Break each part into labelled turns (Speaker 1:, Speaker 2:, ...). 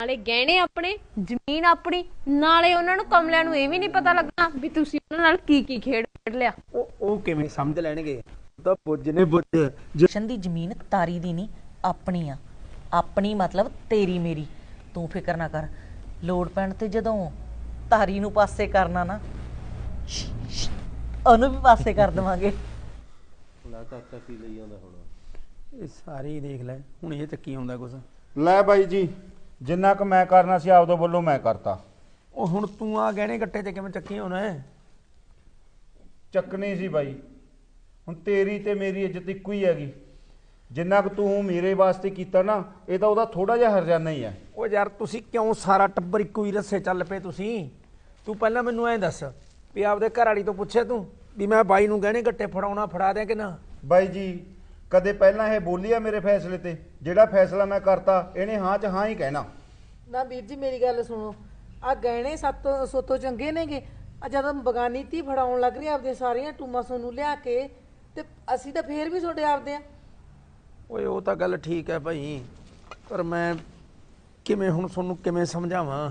Speaker 1: ਨਾਲੇ ਗਹਿਣੇ ਆਪਣੇ, ਜ਼ਮੀਨ ਆਪਣੀ, ਨਾਲੇ ਉਹਨਾਂ ਨੂੰ ਕਮਲਿਆਂ ਨੂੰ ਇਹ ਵੀ ਨਹੀਂ ਪਤਾ ਲੱਗਣਾ ਵੀ ਤੁਸੀਂ ਉਹਨਾਂ ਨਾਲ ਕੀ ਕੀ ਖੇਡ ਲਿਆ।
Speaker 2: ਉਹ ਕਿਵੇਂ ਸਮਝ ਲੈਣਗੇ? ਤਾਂ ਬੁੱਝ ਨੇ ਬੁੱਝ।
Speaker 3: ਜਸ਼ਨ ਦੀ ਜ਼ਮੀਨ ਤਾਰੀ ਦੀ ਨਹੀਂ, ਆਪਣੀ ਆ। ਆਪਣੀ ਮਤਲਬ ਤੇਰੀ ਮੇਰੀ। ਤੂੰ ਫਿਕਰ ਨਾ ਕਰ, ਲੋੜ ਪੈਣ ਤੇ ਜਦੋਂ ਤਾਰੀ ਨੂੰ ਪਾਸੇ ਕਰਨਾ ਨਾ, ਉਹਨੂੰ ਵੀ ਪਾਸੇ ਕਰ ਦੇਵਾਂਗੇ।
Speaker 4: ਚਾਚਾ ਕੀ ਲਈ ਆਉਂਦਾ ਹੁਣ?
Speaker 2: ਇਹ ਸਾਰੇ ਦੇਖ ਲੈ, ਹੁਣ ਇਹ ਚੱਕੀ ਆਉਂਦਾ ਕੁਛ।
Speaker 5: ਲੈ ਬਾਈ ਜੀ, ਜਿੰਨਾ ਕੁ ਮੈਂ ਕਰਨਾ ਸੀ ਆਪਦੇ ਵੱਲੋਂ ਮੈਂ ਕਰਤਾ।
Speaker 2: ਉਹ ਹੁਣ ਤੂੰ ਆ ਗਹਿਣੇ ਗੱਟੇ ਤੇ ਕਿਵੇਂ ਚੱਕੀ ਆਉਣਾ ਹੈ?
Speaker 5: ਚੱਕਣੀ ਸੀ ਬਾਈ, ਹੁਣ ਤੇਰੀ ਤੇ ਮੇਰੀ ਇੱਜ਼ਤ ਇੱਕੋ ਹੀ ਹੈਗੀ। ਜਿੰਨਾ ਕੁ ਤੂੰ ਮੇਰੇ ਵਾਸਤੇ ਕੀਤਾ ਨਾ, ਇਹ ਤਾਂ ਉਹਦਾ ਥੋੜਾ ਜਿਹਾ ਹਰਜਾਨਾ ਹੀ ਹੈ।
Speaker 2: ਉਹ ਯਾਰ ਤੁਸੀਂ ਕਿਉਂ ਸਾਰਾ ਟੱਬਰ ਇੱਕੋ ਹੀ ਰੱਸੇ ਚੱਲ ਪਏ ਤੁਸੀਂ? ਤੂੰ ਪਹਿਲਾਂ ਮੈਨੂੰ ਐਂ ਦੱਸ ਵੀ ਆਪਦੇ ਘਰ ਵਾਲੀ ਤੋਂ ਪੁੱਛਿਆ ਤੂੰ ਵੀ ਮੈਂ ਬਾਈ ਨੂੰ ਗਹਿਣੇ ਗੱਟੇ ਫੜਾਉਣਾ ਫੜਾ ਦਿਆਂ ਕਿ ਨਾ?
Speaker 5: ਬਾਈ ਜੀ, ਕਦੇ ਪਹਿਲਾਂ ਇਹ ਬੋਲੀ ਆ ਮੇਰੇ ਫੈਸਲੇ ਤੇ? ਜਿਹੜਾ ਫੈਸਲਾ ਮੈਂ ਕਰਤਾ ਇਹਨੇ ਹਾਂ 'ਚ ਹਾਂ ਹੀ ਕਹਿਣਾ।
Speaker 6: ਨਾ ਵੀਰ ਜੀ ਮੇਰੀ ਗੱਲ ਸੁਣੋ, ਆ ਗਹਿਣੇ ਸੋਤੋਂ ਚੰਗੇ ਨੇਗੇ। ਆ ਜਦੋਂ ਬਗਾਨੀ ਧੀ ਫੜਾਉਣ ਲੱਗ ਰਹੀ ਆਪਦੇ ਸਾਰੀਆਂ ਟੂਮਾਂ ਸੋਨੂੰ ਲਿਆ ਕੇ, ਤੇ ਅਸੀਂ ਤਾਂ ਫੇਰ ਵੀ ਤੁਹਾਡੇ ਆਪਦੇ ਆ।
Speaker 2: ਓਏ ਉਹ ਤਾਂ ਗੱਲ ਠੀਕ ਹੈ ਭਾਈ, ਪਰ ਮੈਂ ਕਿਵੇਂ ਹੁਣ ਤੁਹਾਨੂੰ ਕਿਵੇਂ ਸਮਝਾਵਾਂ?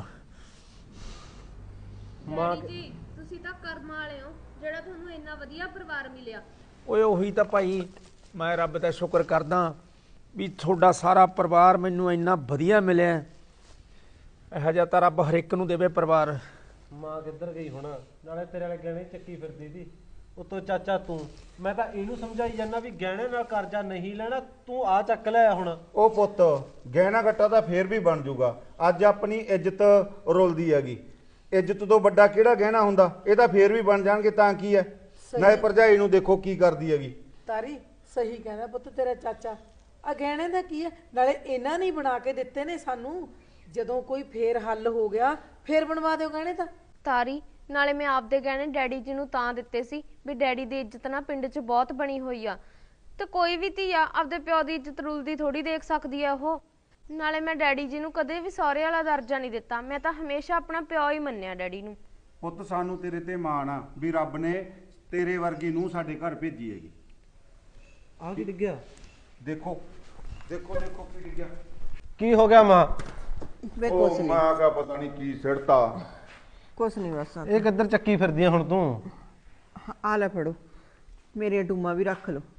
Speaker 1: ਡੈਡੀ ਜੀ ਤੁਸੀਂ ਤਾਂ ਕਰਮ ਵਾਲੇ ਹੋ ਜਿਹੜਾ ਤੁਹਾਨੂੰ ਇੰਨਾ ਵਧੀਆ ਪਰਿਵਾਰ ਮਿਲਿਆ।
Speaker 2: ਓਏ ਉਹੀ ਤਾਂ ਭਾਈ, ਮੈਂ ਰੱਬ ਦਾ ਸ਼ੁਕਰ ਕਰਦਾ ਵੀ ਤੁਹਾਡਾ ਸਾਰਾ ਪਰਿਵਾਰ ਮੈਨੂੰ ਇੰਨਾ ਵਧੀਆ ਮਿਲਿਆ। ਇਹੋ ਜਿਹਾ ਤਾਂ ਰੱਬ ਹਰ ਇੱਕ ਨੂੰ ਦੇਵੇ ਪਰਿਵਾਰ।
Speaker 4: ਮਾਂ ਕਿੱਧਰ ਗਈ ਹੁਣ? ਨਾਲੇ ਤੇਰੇ ਵਾਲੇ ਗਹਿਣੇ ਚੱਕੀ ਫਿਰਦੀ ਸੀ, ਉਤੋਂ ਚਾਚਾ ਤੂੰ। ਮੈਂ ਤਾਂ ਇਹਨੂੰ ਸਮਝਾਈ ਜਾਂਦਾ ਵੀ ਗਹਿਣੇ ਨਾਲ ਕਰਜ਼ਾ ਨਹੀਂ ਲੈਣਾ, ਤੂੰ ਆ ਚੱਕ ਲਿਆ ਹੁਣ।
Speaker 5: ਉਹ ਪੁੱਤ, ਗਹਿਣਾ ਗੱਟਾ ਤਾਂ ਫੇਰ ਵੀ ਬਣ ਜੂਗਾ। ਅੱਜ ਆਪਣੀ ਇੱਜ਼ਤ ਰੁਲਦੀ ਹੈਗੀ। ਇੱਜ਼ਤ ਤੋਂ ਵੱਡਾ ਕਿਹੜਾ ਗਹਿਣਾ ਹੁੰਦਾ? ਇਹ ਤਾਂ ਫੇਰ ਵੀ ਬਣ ਜਾਣਗੇ ਤਾਂ ਕੀ ਹੈ। ਨਾਲੇ ਭਰਜਾਈ ਨੂੰ ਦੇਖੋ ਕੀ ਕਰਦੀ ਹੈਗੀ।
Speaker 6: ਤਾਰੀ ਸਹੀ ਕਹਿੰਦਾ ਪੁੱਤ ਤੇਰਾ ਚਾਚਾ। ਆ ਗਹਿਣੇ ਦਾ ਕੀ ਹੈ? ਨਾਲੇ ਇਹਨਾਂ ਨੇ ਬਣਾ ਕੇ ਦਿੱਤੇ ਨੇ ਸਾਨੂੰ। ਜਦੋਂ ਕੋਈ ਫੇਰ ਹੱਲ ਹੋ ਗਿਆ ਫੇਰ ਬਣਵਾ ਦਿਓ ਗਹਿਣੇ ਤਾਂ।
Speaker 1: ਤਾਰੀ ਨਾਲੇ ਮੈਂ ਆਪਦੇ ਗਹਿਣੇ ਡੈਡੀ ਜੀ ਨੂੰ ਤਾਂ ਦਿੱਤੇ ਸੀ ਵੀ ਡੈਡੀ ਦੀ ਇੱਜ਼ਤ ਨਾ ਪਿੰਡ 'ਚ ਬਹੁਤ ਬਣੀ ਹੋਈ ਆ, ਤੇ ਕੋਈ ਵੀ ਧੀ ਆ ਆਪਦੇ ਪਿਓ ਦੀ ਇੱਜ਼ਤ ਰੁਲਦੀ ਥੋੜੀ ਦੇਖ ਸਕਦੀ ਆ ਉਹ। ਨਾਲੇ ਮੈਂ ਡੈਡੀ ਜੀ ਨੂੰ ਕਦੇ ਵੀ ਸਹੁਰੇ ਵਾਲਾ ਦਰਜਾ ਨਹੀਂ ਦਿੱਤਾ, ਮੈਂ ਤਾਂ ਹਮੇਸ਼ਾ ਆਪਣਾ ਪਿਓ ਹੀ ਮੰਨਿਆ ਡੈਡੀ ਨੂੰ।
Speaker 5: ਪੁੱਤ ਸਾਨੂੰ ਤੇਰੇ ਤੇ ਮਾਣ ਆ ਵੀ ਰੱਬ ਨੇ ਤੇਰੇ ਵਰਗੀ ਨੂੰ ਸਾਡੇ ਘਰ ਭੇਜੀ ਹੈਗੀ।
Speaker 4: ਆ ਕੀ ਡਿੱਗਿਆ?
Speaker 5: ਦੇਖੋ ਦੇਖੋ ਦੇਖੋ ਕੀ ਡਿੱਗਿਆ।
Speaker 4: ਕੀ ਹੋ ਗਿਆ ਮਾਂ?
Speaker 6: ਵੇ
Speaker 5: ਉਹ ਮਾਂ ਦਾ ਪਤਾ ਨਹੀਂ ਕੀ ਸਿੜਤਾ।
Speaker 6: ਕੁਛ ਨਹੀਂ ਬਸ।
Speaker 4: ਇਹ ਕਿੱਧਰ ਚੱਕੀ ਫਿਰਦੀ ਆ ਹੁਣ ਤੂੰ?
Speaker 6: ਆ ਲੈ ਫੜੋ, ਮੇਰੀਆਂ ਟੂਮਾਂ ਵੀ ਰੱਖ ਲਓ।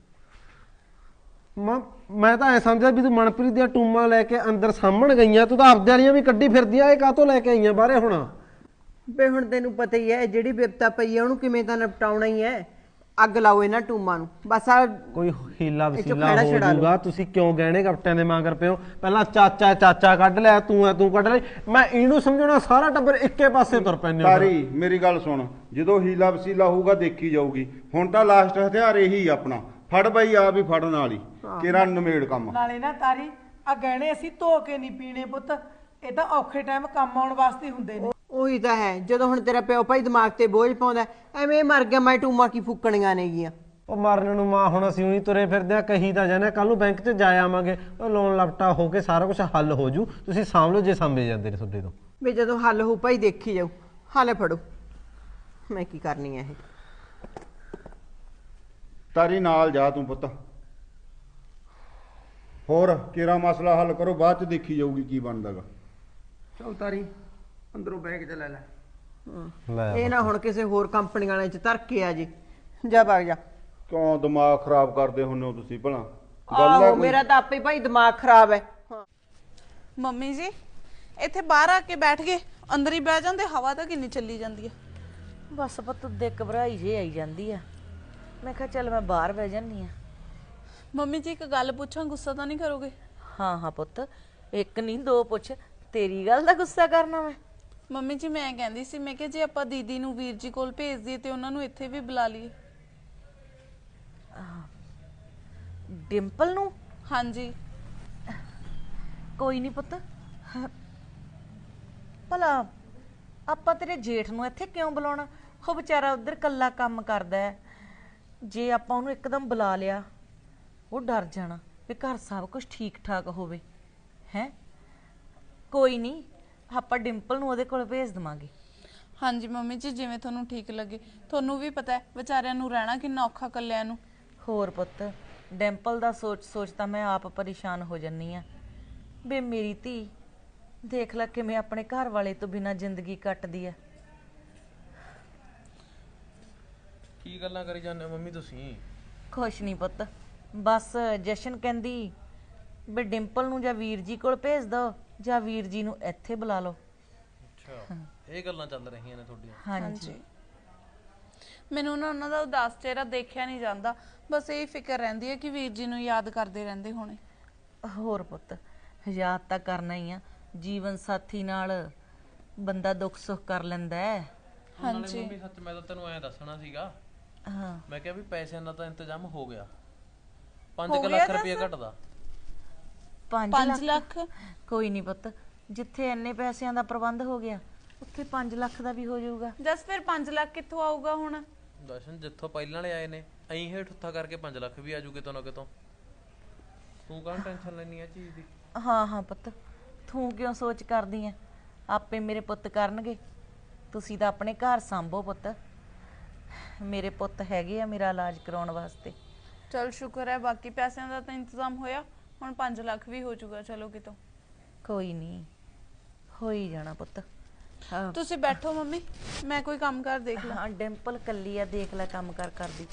Speaker 4: ਮਾਂ ਮੈਂ ਤਾਂ ਐ ਸਮਝਿਆ ਵੀ ਤੂੰ ਮਨਪ੍ਰੀਤ ਦੀਆਂ ਟੂਮਾਂ ਲੈ ਕੇ ਅੰਦਰ ਸਾਹਮਣ ਗਈਆਂ, ਤੂੰ ਤਾਂ ਆਪਦੇ ਵਾਲੀਆਂ ਵੀ ਕੱਢੀ ਫਿਰਦੀ ਆ। ਇਹ ਕਾਹਤੋਂ ਲੈ ਕੇ ਆਈਆਂ ਬਾਹਰੇ ਹੁਣ?
Speaker 6: ਵੇ ਹੁਣ ਤੈਨੂੰ ਪਤਾ ਹੀ ਹੈ ਜਿਹੜੀ ਬਿਪਤਾ ਪਈ ਹੈ ਉਹਨੂੰ ਕਿਵੇਂ ਤਾਂ ਨਿਪਟਾਉਣਾ ਹੀ ਹੈ। ਅੱਗ ਲਾਓ ਇਹਨਾਂ ਟੂਮਾਂ ਨੂੰ ਬਸ। ਆ
Speaker 4: ਕੋਈ ਹੀਲਾ ਵਸੀਲਾ
Speaker 6: ਖਹਿੜਾ
Speaker 4: ਹੋ
Speaker 6: ਛੁਡਾ ਲਓ।
Speaker 4: ਜਾਊਗਾ। ਤੁਸੀਂ ਕਿਉਂ ਗਹਿਣੇ ਗੱਟਿਆਂ ਦੇ ਮਗਰ ਪਿਓ? ਪਹਿਲਾਂ ਚਾਚਾ ਚਾਚਾ ਕੱਢ ਲਿਆ, ਤੂੰ ਐ ਤੂੰ ਕੱਢ ਲਈ। ਮੈਂ ਇਹਨੂੰ ਸਮਝਾਉਣਾ, ਸਾਰਾ ਟੱਬਰ ਇੱਕੇ ਪਾਸੇ ਤੁਰ ਪੈਂਦੇ ਹੋ।
Speaker 5: ਤਾਰੀ ਮੇਰੀ ਗੱਲ ਸੁਣ, ਜਦੋਂ ਹੀਲਾ ਵਸੀਲਾ ਹੋਊਗਾ ਦੇਖੀ ਜਾਊਗੀ। ਹੁਣ ਤਾਂ ਲਾਸਟ ਹਥਿਆਰ ਇਹੀ ਆਪਣਾ। ਫੜ ਬਾਈ, ਆ ਵੀ ਫੜਨ ਵਾਲੀ ਕਿਹੜਾ ਨਮੇੜ ਕੰਮ।
Speaker 6: ਨਾਲੇ ਨਾ ਤਾਰੀ ਆ ਗਹਿਣੇ ਅਸੀਂ ਧੋ ਕੇ ਨਹੀਂ ਪੀਣੇ ਪੁੱਤ, ਇਹ ਤਾਂ ਔਖੇ ਟਾਈਮ ਕੰਮ ਆਉਣ ਵਾਸਤੇ ਹੁੰਦੇ ਨੇ। ਉਹੀ ਤਾਂ ਹੈ, ਜਦੋਂ ਹੁਣ ਤੇਰਾ ਪਿਓ ਭਾਈ ਦਿਮਾਗ ਤੇ ਬੋਝ ਪਾਉਂਦਾ ਐਵੇਂ ਮਰ ਗਿਆ ਮੈਂ ਟੂਮਾਂ ਕੀ ਫੁੱਕਣੀਆਂ ਨੇਗੀਆਂ।
Speaker 4: ਉਹ ਮਰਨ ਨੂੰ ਮਾਂ ਹੁਣ ਅਸੀਂ ਉਹੀ ਤੁਰੇ ਫਿਰਦੇ ਆ। ਕਹੀ ਤਾਂ ਜਾਣਾ ਕੱਲ ਨੂੰ ਬੈਂਕ 'ਚ ਜਾ ਆਵਾਂਗੇ, ਉਹ ਲੋਨ ਲਪਟਾ ਹੋ ਕੇ ਸਾਰਾ ਕੁਝ ਹੱਲ ਹੋ ਜੂ। ਤੁਸੀਂ ਸਾਂਭ ਲਓ ਜੇ ਸਾਂਭੇ ਜਾਂਦੇ ਨੇ ਤੁਹਾਡੇ ਤੋਂ।
Speaker 6: ਵੀ ਜਦੋਂ ਹੱਲ ਹੋ ਭਾਈ ਦੇਖੀ ਜਾਊ। ਹਾਲੇ ਫੜੋ, ਮੈਂ ਕੀ ਕਰਨੀ ਹੈ ਇਹ।
Speaker 5: ਤਾਰੀ ਨਾਲ ਜਾ ਤੂੰ ਪੁੱਤ, ਹੋਰ ਕਿਹੜਾ ਮਸਲਾ ਹੱਲ ਕਰੋ, ਬਾਅਦ ਚ ਦੇਖੀ ਜਾਊਗੀ ਕੀ ਬਣਦਾਗਾ।
Speaker 2: ਚੱਲ ਤਾਰੀ ਅੰਦਰੋਂ ਬੈਗ ਚ ਲੈ ਲੈ।
Speaker 4: ਲੈ
Speaker 6: ਇਹ ਨਾ ਹੁਣ ਕਿਸੇ ਹੋਰ ਕੰਪਨੀ ਵਾਲੇ ਚ ਧਰ ਕੇ ਆ ਜੀ। ਜਾ ਵਗ ਜਾ।
Speaker 5: ਕਿਉਂ ਦਿਮਾਗ ਖਰਾਬ ਕਰਦੇ ਹੁੰਦੇ ਹੋ ਤੁਸੀਂ ਭਲਾ?
Speaker 6: ਆਹੋ ਮੇਰਾ ਤਾਂ ਆਪੇ ਭਾਈ ਦਿਮਾਗ ਖਰਾਬ ਹੈ।
Speaker 7: ਮੰਮੀ ਜੀ ਇੱਥੇ ਬਾਹਰ ਆ ਕੇ ਬੈਠ ਗਏ, ਅੰਦਰ ਹੀ ਬਹਿ ਜਾਂਦੇ। ਹਵਾ ਤਾਂ ਕਿੰਨੀ ਚੱਲੀ ਜਾਂਦੀ ਹੈ।
Speaker 3: ਬਸ ਪੁੱਤ ਦੇ ਘਬਰਾਈ ਜੇ ਆਈ ਜਾਂਦੀ ਆ। ਮੈਂ ਕਿਹਾ ਚੱਲ ਮੈਂ ਬਾਹਰ ਬਹਿ ਜਾਂਦੀ ਆ।
Speaker 7: ਮੰਮੀ ਜੀ ਇੱਕ ਗੱਲ ਪੁੱਛਾਂ, ਗੁੱਸਾ ਤਾਂ ਨਹੀਂ ਕਰੋਗੇ?
Speaker 3: ਹਾਂ ਹਾਂ ਪੁੱਤ, ਇੱਕ ਨਹੀਂ ਦੋ ਪੁੱਛ। ਤੇਰੀ ਗੱਲ ਦਾ ਗੁੱਸਾ ਕਰਨਾ ਮੈਂ?
Speaker 7: ਮੰਮੀ ਜੀ ਮੈਂ ਕਹਿੰਦੀ ਸੀ, ਮੈਂ ਕਿਹਾ ਜੇ ਆਪਾਂ ਦੀਦੀ ਨੂੰ ਵੀਰ ਜੀ ਕੋਲ ਭੇਜ ਦਈਏ ਤੇ ਉਹਨਾਂ ਨੂੰ ਇੱਥੇ ਵੀ ਬੁਲਾ ਲਈਏ।
Speaker 3: ਡਿੰਪਲ ਨੂੰ?
Speaker 7: ਹਾਂਜੀ।
Speaker 3: ਕੋਈ ਨਹੀਂ ਪੁੱਤ, ਭਲਾ ਆਪਾਂ ਤੇਰੇ ਜੇਠ ਨੂੰ ਇੱਥੇ ਕਿਉਂ ਬੁਲਾਉਣਾ? ਉਹ ਵਿਚਾਰਾ ਉਧਰ ਕੱਲਾ ਕੰਮ ਕਰਦਾ ਹੈ। ਜੇ ਆਪਾਂ ਉਹਨੂੰ ਇੱਕਦਮ ਬੁਲਾ ਲਿਆ ਉਹ ਡਰ ਜਾਣਾ ਵੀ ਘਰ ਸਭ ਕੁਝ ਠੀਕ ਠਾਕ ਹੋਵੇ। ਹੈ ਕੋਈ ਨਹੀਂ, ਆਪਾਂ ਡਿੰਪਲ ਨੂੰ ਉਹਦੇ ਕੋਲ ਭੇਜ ਦੇਵਾਂਗੇ।
Speaker 7: ਹਾਂਜੀ ਮੰਮੀ ਜੀ ਜਿਵੇਂ ਤੁਹਾਨੂੰ ਠੀਕ ਲੱਗੇ। ਤੁਹਾਨੂੰ ਵੀ ਪਤਾ ਹੈ ਵਿਚਾਰਿਆਂ ਨੂੰ ਰਹਿਣਾ ਕਿੰਨਾ ਔਖਾ ਕੱਲਿਆਂ ਨੂੰ।
Speaker 3: ਹੋਰ ਪੁੱਤ, ਡਿੰਪਲ ਦਾ ਸੋਚ ਸੋਚ ਤਾਂ ਮੈਂ ਆਪ ਪਰੇਸ਼ਾਨ ਹੋ ਜੰਨੀ ਆ ਵੀ ਮੇਰੀ ਧੀ ਦੇਖ ਲੈ ਕਿਵੇਂ ਆਪਣੇ ਘਰ ਵਾਲੇ ਤੋਂ ਬਿਨਾਂ ਜ਼ਿੰਦਗੀ ਕੱਟਦੀ ਐ।
Speaker 8: ਕੀ ਗੱਲਾਂ ਕਰੀ ਜਾਂਦੇ ਹੋ ਮੰਮੀ ਤੁਸੀਂ?
Speaker 3: ਖੁਸ਼ ਨਹੀਂ ਪੁੱਤ, ਬਸ ਜਸ਼ਨ ਕਹਿੰਦੀ ਵੀ ਡਿੰਪਲ ਨੂੰ ਜਾਂ ਵੀਰ ਜੀ ਕੋਲ ਭੇਜ ਦੋ ਜਾਂ ਵੀਰ ਜੀ ਨੂੰ ਇੱਥੇ ਬੁਲਾ ਲਓ।
Speaker 8: ਅੱਛਾ, ਇਹ ਗੱਲਾਂ ਚੱਲ ਰਹੀਆਂ ਨੇ ਤੁਹਾਡੀਆਂ?
Speaker 3: ਹਾਂਜੀ।
Speaker 7: ਮੈਨੂੰ ਨਾ ਉਹਨਾਂ ਦਾ ਉਦਾਸ ਚਿਹਰਾ ਦੇਖਿਆ ਨਹੀਂ ਜਾਂਦਾ, ਬਸ ਇਹ ਫਿਕਰ ਰਹਿੰਦੀ ਹੈ ਕਿ ਵੀਰ ਜੀ ਨੂੰ ਯਾਦ ਕਰਦੇ ਰਹਿੰਦੇ ਹੋਣੇ।
Speaker 3: ਹੋਰ ਪੁੱਤ, ਯਾਦ ਤਾਂ ਕਰਨਾ ਹੀ ਆ, ਜੀਵਨ ਸਾਥੀ ਨਾਲ ਬੰਦਾ ਦੁੱਖ ਸੁੱਖ ਕਰ ਲੈਂਦਾ ਹੈ।
Speaker 8: ਨਾਲੇ ਮੰਮੀ ਸੱਚ ਮੈਂ ਤਾਂ ਤੈਨੂੰ ਐਂ ਦੱਸਣਾ ਸੀਗਾ,
Speaker 3: ਹਾਂ,
Speaker 8: ਮੈਂ ਕਿਹਾ ਵੀ ਪੈਸਿਆਂ ਦਾ ਤਾਂ ਇੰਤਜ਼ਾਮ ਹੋ ਗਿਆ, 5 ਲੱਖ ਰੁਪਏ ਘਟਦਾ।
Speaker 3: 5 ਲੱਖ? ਕੋਈ ਨਹੀਂ ਪੁੱਤ, ਜਿੱਥੇ ਇੰਨੇ ਪੈਸਿਆਂ ਦਾ ਪ੍ਰਬੰਧ ਹੋ ਗਿਆ ਉੱਥੇ 5 ਲੱਖ ਦਾ ਵੀ ਹੋ ਜਾਊਗਾ।
Speaker 7: ਜਸ ਫਿਰ 5 ਲੱਖ ਕਿੱਥੋਂ ਆਊਗਾ ਹੁਣ?
Speaker 8: ਦਰਸ਼ਨ ਜਿੱਥੋਂ ਪਹਿਲਾਂ ਵਾਲੇ ਆਏ ਨੇ ਐਂ ਹੇਠ ਉੱਠਾ ਕਰਕੇ 5 ਲੱਖ ਵੀ ਆਜੂ ਕਿਤੋਂ ਨਾ ਕਿਤੋਂ। ਤੂੰ ਕਾਹਨੂੰ ਟੈਨਸ਼ਨ ਲੈਣੀ ਆ ਚੀਜ਼ ਦੀ?
Speaker 3: ਹਾਂ ਹਾਂ ਪੁੱਤ, ਤੂੰ ਕਿਉਂ ਸੋਚ ਕਰਦੀ ਐ? ਆਪੇ ਮੇਰੇ ਪੁੱਤ ਕਰਨਗੇ। ਤੁਸੀਂ ਤਾਂ ਆਪਣੇ ਘਰ ਸੰਭੋ ਪੁੱਤ, ਮੇਰੇ ਪੁੱਤ ਹੈਗੇ ਆ ਮੇਰਾ ਇਲਾਜ ਕਰਾਉਣ ਵਾਸਤੇ।
Speaker 7: ਚਲ ਸ਼ੁਕਰ ਹੈ, ਬਾਕੀ ਪੈਸਿਆਂ ਦਾ ਤਾਂ ਇੰਤਜ਼ਾਮ ਹੋਇਆ, ਹੁਣ 5 ਲੱਖ ਵੀ ਹੋ ਜਾਊਗਾ ਚਲੋ ਕਿਤੋਂ।
Speaker 3: ਕੋਈ ਨਹੀਂ, ਹੋ ਹੀ ਜਾਣਾ ਪੁੱਤ। ਹਾਂ
Speaker 7: ਤੁਸੀਂ ਬੈਠੋ ਮੰਮੀ, ਮੈਂ ਕੋਈ ਕੰਮ ਕਰ ਦੇਖ ਲਾਂ।
Speaker 3: ਹਾਂ, ਡਿੰਪਲ ਕੱਲੀ ਆ, ਦੇਖ ਲੈ ਕੰਮ ਕਰ ਕਰਦੀ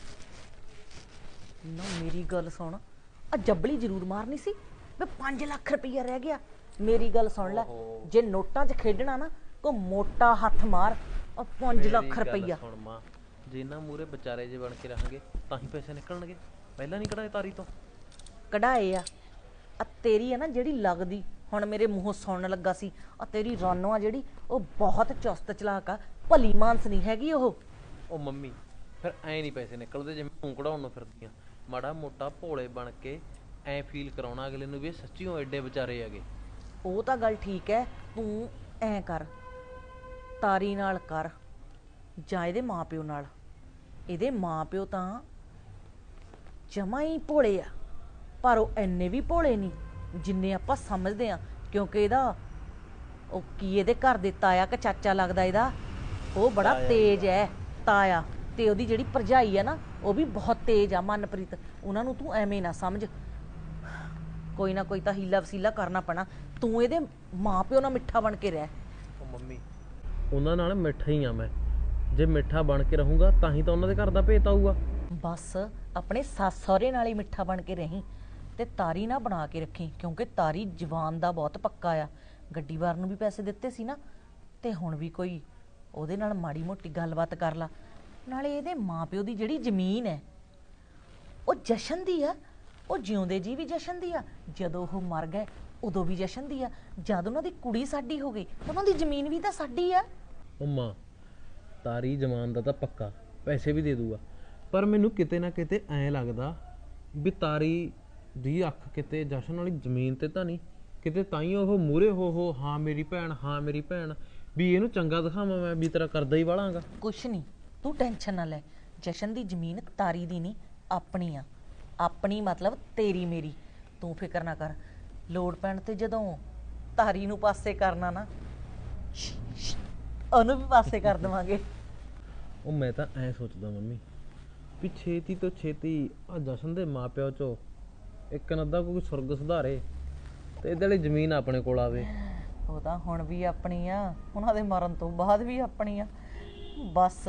Speaker 3: ਨਾ। ਮੇਰੀ ਗੱਲ ਸੁਣ, ਆ ਜੱਬਲੀ ਜ਼ਰੂਰ ਮਾਰਨੀ ਸੀ ਵੇ 5 ਲੱਖ ਰੁਪਈਆ ਰਹਿ ਗਿਆ। ਮੇਰੀ ਗੱਲ ਸੁਣ ਲੈ, ਜੇ ਨੋਟਾਂ 'ਚ ਖੇਡਣਾ ਨਾ ਕੋ ਮੋਟਾ ਹੱਥ ਮਾਰ, ਆ 5 ਲੱਖ ਰੁਪਈਆ।
Speaker 8: ਸੁਣ ਮਾਂ, ਜੇ ਇਹਨਾਂ ਮੂਰੇ ਵਿਚਾਰੇ ਜੇ ਬਣ ਕੇ ਰਹਾਂਗੇ ਤਾਂ ਹੀ ਪੈਸੇ ਨਿਕਲਣਗੇ। ਪਹਿਲਾਂ ਨਹੀਂ ਕਢਾਏ ਤਾਰੀ ਤੋਂ?
Speaker 3: ਕਢਾਏ ਆ। ਆ ਤੇਰੀ ਆ ਨਾ ਜਿਹੜੀ ਲੱਗਦੀ, ਹੁਣ ਮੇਰੇ ਮੂੰਹੋਂ ਸੁਣਨ ਲੱਗਾ ਸੀ, ਆ ਤੇਰੀ ਰਾਨੋ ਆ ਜਿਹੜੀ, ਉਹ ਬਹੁਤ ਚੁਸਤ ਚਲਾਕ ਆ, ਭਲੀ ਮਾਨਸ ਨਹੀਂ ਹੈਗੀ ਉਹ।
Speaker 8: ਉਹ ਮੰਮੀ ਫਿਰ ਐਂ ਨਹੀਂ ਪੈਸੇ ਨਿਕਲਦੇ ਜਿਵੇਂ ਤੂੰ ਕਢਾਉਣ ਨੂੰ ਫਿਰਦੀਆਂ। ਮਾੜਾ ਮੋਟਾ ਭੋਲੇ ਬਣ ਕੇ ਐਂ ਫੀਲ ਕਰਾਉਣਾ ਅਗਲੇ ਨੂੰ ਵੀ ਇਹ ਸੱਚੀਓ ਐਡੇ ਵਿਚਾਰੇ ਹੈਗੇ।
Speaker 3: ਉਹ ਤਾਂ ਗੱਲ ਠੀਕ ਹੈ, ਤੂੰ ਐਂ ਕਰ, ਤਾਰੀ ਨਾਲ ਕਰ ਜਾਂ ਇਹਦੇ ਮਾਪਿਓ ਨਾਲ। ਇਹਦੇ ਮਾਪਿਓ ਤਾਂ ਜਮਾਂ ਹੀ ਭੋਲੇ ਆ, ਪਰ ਉਹ ਐਨੇ ਵੀ ਭੋਲੇ ਨਹੀਂ ਜਿੰਨੇ ਆਪਾਂ ਸਮਝਦੇ ਆ, ਕਿਉਂਕਿ ਇਹਦਾ ਉਹ ਕੀ ਇਹਦੇ ਘਰ ਦੇ ਤਾਇਆ ਕਿ ਚਾਚਾ ਲੱਗਦਾ ਇਹਦਾ, ਉਹ ਬੜਾ ਤੇਜ਼ ਹੈ ਤਾਇਆ, ਤੇ ਉਹਦੀ ਜਿਹੜੀ ਭਰਜਾਈ ਆ ਨਾ ਉਹ ਵੀ ਬਹੁਤ ਤੇਜ਼ ਆ ਮਨਪ੍ਰੀਤ। ਉਹਨਾਂ ਨੂੰ ਤੂੰ ਐਵੇਂ ਨਾ ਸਮਝ, ਕੋਈ ਨਾ ਕੋਈ ਤਾਂ ਹੀਲਾ ਵਸੀਲਾ ਕਰਨਾ ਪੈਣਾ। ਤੂੰ ਇਹਦੇ ਮਾਪਿਓ ਨਾਲ ਮਿੱਠਾ ਬਣ ਕੇ ਰਹਿ।
Speaker 8: ਉਹ ਮੰਮੀ ਉਹਨਾਂ ਨਾਲ ਮਿੱਠਾ ਹੀ ਆ ਮੈਂ, ਜੇ ਮਿੱਠਾ ਬਣ ਕੇ ਰਹੂੰਗਾ ਤਾਂ ਹੀ ਤਾਂ ਉਹਨਾਂ ਦੇ ਘਰ ਦਾ ਭੇਤ ਆਊਗਾ।
Speaker 3: ਬਸ ਆਪਣੇ ਸੱਸ ਸਹੁਰੇ ਨਾਲ ਹੀ ਮਿੱਠਾ ਬਣ ਕੇ ਰਹੀਂ, ਤੇ ਤਾਰੀ ਨਾ ਬਣਾ ਕੇ ਰੱਖੀ, ਕਿਉਂਕਿ ਤਾਰੀ ਜਵਾਨ ਦਾ ਬਹੁਤ ਪੱਕਾ ਆ। ਗੱਡੀ ਵਾਰ ਨੂੰ ਵੀ ਪੈਸੇ ਦਿੱਤੇ ਸੀ ਨਾ, ਤੇ ਹੁਣ ਵੀ ਕੋਈ ਉਹਦੇ ਨਾਲ ਮਾੜੀ ਮੋਟੀ ਗੱਲਬਾਤ ਕਰ ਲਾ। ਨਾਲੇ ਇਹਦੇ ਮਾਪਿਓ ਦੀ ਜਿਹੜੀ ਜ਼ਮੀਨ ਹੈ ਉਹ ਜਸ਼ਨ ਦੀ ਆ, ਉਹ ਜਿਉਂਦੇ ਜੀ ਵੀ ਜਸ਼ਨ ਦੀ ਆ, ਜਦੋਂ ਉਹ ਮਰ ਗਏ ਉਦੋਂ ਵੀ ਜਸ਼ਨ ਦੀ ਆ, ਜਦ ਉਹਨਾਂ ਦੀ ਕੁੜੀ ਸਾਡੀ ਹੋ ਗਈ ਉਹਨਾਂ ਦੀ ਜ਼ਮੀਨ ਵੀ ਤਾਂ ਸਾਡੀ ਆ।
Speaker 8: ਉਹ ਮਾਂ, ਤਾਰੀ ਜਮਾਨ ਦਾ ਤਾਂ ਪੱਕਾ ਪੈਸੇ ਵੀ ਦੇ ਦੂਗਾ, ਪਰ ਮੈਨੂੰ ਕਿਤੇ ਨਾ ਕਿਤੇ ਐਂ ਲੱਗਦਾ ਵੀ ਤਾਰੀ ਦੀ ਅੱਖ ਕਿਤੇ ਜਸ਼ਨ ਵਾਲੀ ਜ਼ਮੀਨ ਤੇ ਤਾਂ ਨਹੀਂ, ਕਿਤੇ ਤਾਂ ਹੀ ਉਹ ਮੂਰੇ ਹੋ ਹਾਂ ਮੇਰੀ ਭੈਣ, ਹਾਂ ਮੇਰੀ ਭੈਣ, ਵੀ ਇਹਨੂੰ ਚੰਗਾ ਦਿਖਾਵਾਂ ਮੈਂ ਵੀ ਤੇਰਾ ਕਰਦਾ ਹੀ ਵਾਲਾਂਗਾ।
Speaker 3: ਕੁਛ ਨਹੀਂ, ਤੂੰ ਟੈਨਸ਼ਨ ਨਾ ਲੈ, ਜਸ਼ਨ ਦੀ ਜ਼ਮੀਨ ਤਾਰੀ ਦੀ ਨਹੀਂ ਆਪਣੀ ਆ। ਆਪਣੀ ਮਤਲਬ ਤੇਰੀ ਮੇਰੀ, ਤੂੰ ਫਿਕਰ ਨਾ ਕਰ। ਲੋੜ ਪੈਣ ਤੇ ਜਦੋਂ ਤਾਰੀ ਨੂੰ ਪਾਸੇ ਕਰਨਾ ਨਾ, ਉਹਨੂੰ ਵੀ ਪਾਸੇ ਕਰ ਦੇਵਾਂਗੇ।
Speaker 8: ਉਹ ਮੈਂ ਤਾਂ ਐਂ ਸੋਚਦਾ ਮੰਮੀ ਵੀ ਛੇਤੀ ਤੋਂ ਛੇਤੀ ਆ ਜਸ਼ਨ ਦੇ ਮਾਪਿਓ ਚੋਂ ਇੱਕ ਨਾ ਅੱਧਾ ਕੋਈ ਸੁਰਗ ਸੁਧਾਰੇ ਤੇ ਇਹਦੇ ਲਈ ਜ਼ਮੀਨ ਆਪਣੇ ਕੋਲ ਆਵੇ।
Speaker 3: ਉਹ ਤਾਂ ਹੁਣ ਵੀ ਆਪਣੀ ਆ, ਉਹਨਾਂ ਦੇ ਮਰਨ ਤੋਂ ਬਾਅਦ ਵੀ ਆਪਣੀ ਆ। ਬਸ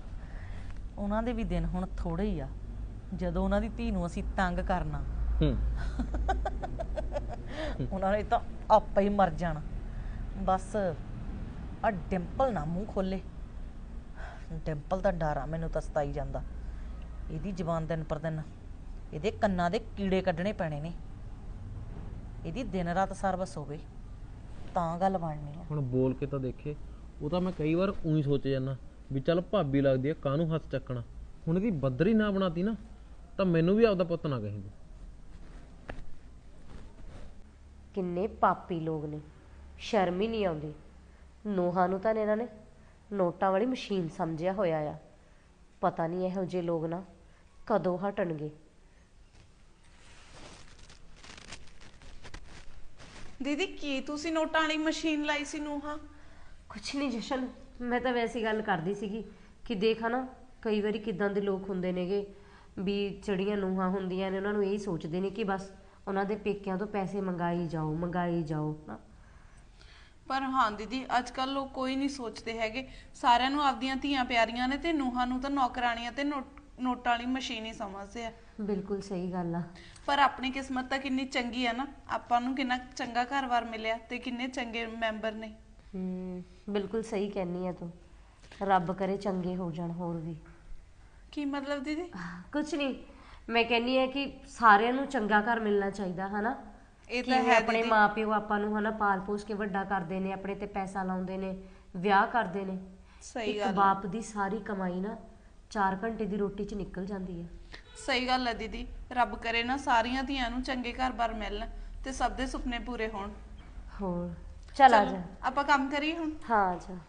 Speaker 3: ਉਹਨਾਂ ਦੇ ਵੀ ਦਿਨ ਹੁਣ ਥੋੜੇ ਹੀ ਆ, ਜਦੋਂ ਉਹਨਾਂ ਦੀ ਧੀ ਨੂੰ ਅਸੀਂ ਤੰਗ ਕਰਨਾ ਉਹਨਾਂ ਨੇ ਤਾਂ ਆਪੇ ਹੀ ਮਰ ਜਾਣਾ। ਬਸ ਆ ਡਿੰਪਲ ਨਾ ਮੂੰਹ ਖੋਲੇ, ਡਿੰਪਲ ਦਾ ਡਰ ਆ ਮੈਨੂੰ ਤਾਂ ਸਤਾਈ ਜਾਂਦਾ। ਇਹਦੀ ਜ਼ਬਾਨ ਦਿਨ ਪਰ ਦਿਨ ਇਹਦੇ ਕੰਨਾਂ ਦੇ ਕੀੜੇ ਕੱਢਣੇ ਪੈਣੇ ਨੇ। ਇਹਦੀ ਦਿਨ ਰਾਤ ਸਰਵਿਸ ਹੋਵੇ ਤਾਂ ਗੱਲ ਬਣਨੀ ਆ।
Speaker 8: ਹੁਣ ਬੋਲ ਕੇ ਤਾਂ ਦੇਖੇ, ਉਹ ਤਾਂ ਮੈਂ ਕਈ ਵਾਰ ਉਹੀ ਸੋਚ ਜਾਂਦਾ ਵੀ ਚੱਲ ਭਾਬੀ ਲੱਗਦੀ ਆ ਕਾਹਨੂੰ ਹੱਥ ਚੱਕਣਾ। ਹੁਣ ਇਹਦੀ ਬੱਦਰੀ ਨਾ ਬਣਾਤੀ ਨਾ ਤਾਂ ਮੈਨੂੰ ਵੀ ਆਪਦਾ ਪੁੱਤ ਨਾ ਕਹੀਂ।
Speaker 9: ਕਿੰਨੇ ਪਾਪੀ ਲੋਕ ਨੇ, ਸ਼ਰਮ ਹੀ ਨਹੀਂ ਆਉਂਦੀ। ਨੋਹਾਂ ਨੂੰ ਤਾਂ ਇਹਨਾਂ ਨੇ ਨੋਟਾਂ ਵਾਲੀ ਮਸ਼ੀਨ ਸਮਝਿਆ ਹੋਇਆ ਆ। ਪਤਾ ਨਹੀਂ ਇਹੋ ਜਿਹੇ ਲੋਕ ਨਾ ਕਦੋਂ ਹਟਣਗੇ।
Speaker 7: ਦੀਦੀ ਕੀ ਤੁਸੀਂ ਨੋਟਾਂ ਵਾਲੀ ਮਸ਼ੀਨ ਲਾਈ ਸੀ ਨੂੰਹਾਂ?
Speaker 9: ਕੁਛ ਨਹੀਂ ਜਸ਼ਨ, ਮੈਂ ਤਾਂ ਵੈਸੀ ਗੱਲ ਕਰਦੀ ਸੀਗੀ ਕਿ ਦੇਖਾ ਨਾ ਕਈ ਵਾਰੀ ਕਿਦਾਂ ਦੇ ਲੋਕ ਹੁੰਦੇ ਨੇਗੇ ਵੀ ਜਿਹੜੀਆਂ ਨੂੰਹਾਂ ਹੁੰਦੀਆਂ ਨੇ ਉਹਨਾਂ ਨੂੰ ਇਹੀ ਸੋਚਦੇ ਨੇ ਕਿ ਬਸ ਉਹਨਾਂ ਦੇ ਪੇਕਿਆਂ ਤੋਂ ਪੈਸੇ ਮੰਗਾਈ ਜਾਓ ਨਾ।
Speaker 7: ਪਰ ਹਾਂ ਦੀਦੀ ਅੱਜ ਕੱਲ ਲੋਕ ਕੋਈ ਨਹੀਂ ਸੋਚਦੇ ਹੈਗੇ, ਸਾਰਿਆਂ ਨੂੰ ਆਪਦੀਆਂ ਧੀਆਂ ਪਿਆਰੀਆਂ ਨੇ ਤੇ ਨੂੰਹਾਂ ਨੂੰ ਤਾਂ ਨੌਕਰਾਣੀਆਂ ਤੇ ਨੋਟਾਂ ਵਾਲੀ ਮਸ਼ੀਨ ਹੀ ਸਮਝਦੇ ਆ।
Speaker 9: ਬਿਲਕੁਲ ਸਹੀ ਗੱਲ ਆ।
Speaker 7: ਪਰ ਆਪਣੀ ਕਿਸਮਤ ਤਾਂ ਕਿੰਨੀ ਚੰਗੀ ਆ ਨਾ, ਆਪਾਂ ਨੂੰ ਕਿੰਨਾ ਚੰਗਾ ਘਰ-ਬਾਰ ਮਿਲਿਆ ਤੇ ਕਿੰਨੇ ਚੰਗੇ ਮੈਂਬਰ ਨੇ।
Speaker 9: ਬਿਲਕੁਲ ਸਹੀ ਕਹਿੰਨੀ ਆ ਤੂੰ, ਰੱਬ ਕਰੇ ਚੰਗੇ ਹੋ ਜਾਣ ਹੋਰ ਵੀ।
Speaker 7: ਕੀ ਮਤਲਬ ਦੀਦੀ?
Speaker 9: ਕੁਛ ਨਹੀਂ, ਮੈਂ ਕਹਿੰਨੀ ਆ ਕਿ ਸਾਰਿਆਂ ਨੂੰ ਚੰਗਾ ਘਰ ਮਿਲਣਾ ਚਾਹੀਦਾ ਹਨਾ।
Speaker 7: ਇਹ ਤਾਂ ਹੈ
Speaker 9: ਆਪਣੇ ਮਾਪਿਓ ਆਪਾਂ ਨੂੰ ਹਨਾ ਪਾਲ ਪੋਸ ਕੇ ਵੱਡਾ ਕਰਦੇ ਨੇ, ਆਪਣੇ ਤੇ ਪੈਸਾ ਲਾਉਂਦੇ ਨੇ, ਵਿਆਹ ਕਰਦੇ ਨੇ।
Speaker 7: ਸਹੀ ਗੱਲ
Speaker 9: ਇੱਕ ਬਾਪ ਦੀ ਸਾਰੀ ਕਮਾਈ ਨਾ 4 ਘੰਟੇ ਦੀ ਰੋਟੀ 'ਚ ਨਿਕਲ ਜਾਂਦੀ ਹੈ।
Speaker 7: ਸਹੀ ਗੱਲ ਹੈ ਦੀਦੀ, ਰੱਬ ਕਰੇ ਨਾ ਸਾਰੀਆਂ ਧੀਆਂ ਨੂੰ ਚੰਗੇ ਘਰ-ਬਾਰ ਮਿਲਣ ਤੇ ਸਭ ਦੇ ਸੁਪਨੇ ਪੂਰੇ ਹੋਣ।
Speaker 9: ਹੋਰ ਚੱਲ ਆ ਜਾ,
Speaker 7: ਆਪਾਂ ਕੰਮ ਕਰੀਏ ਹੁਣ।
Speaker 9: ਹਾਂ ਆ ਜਾ।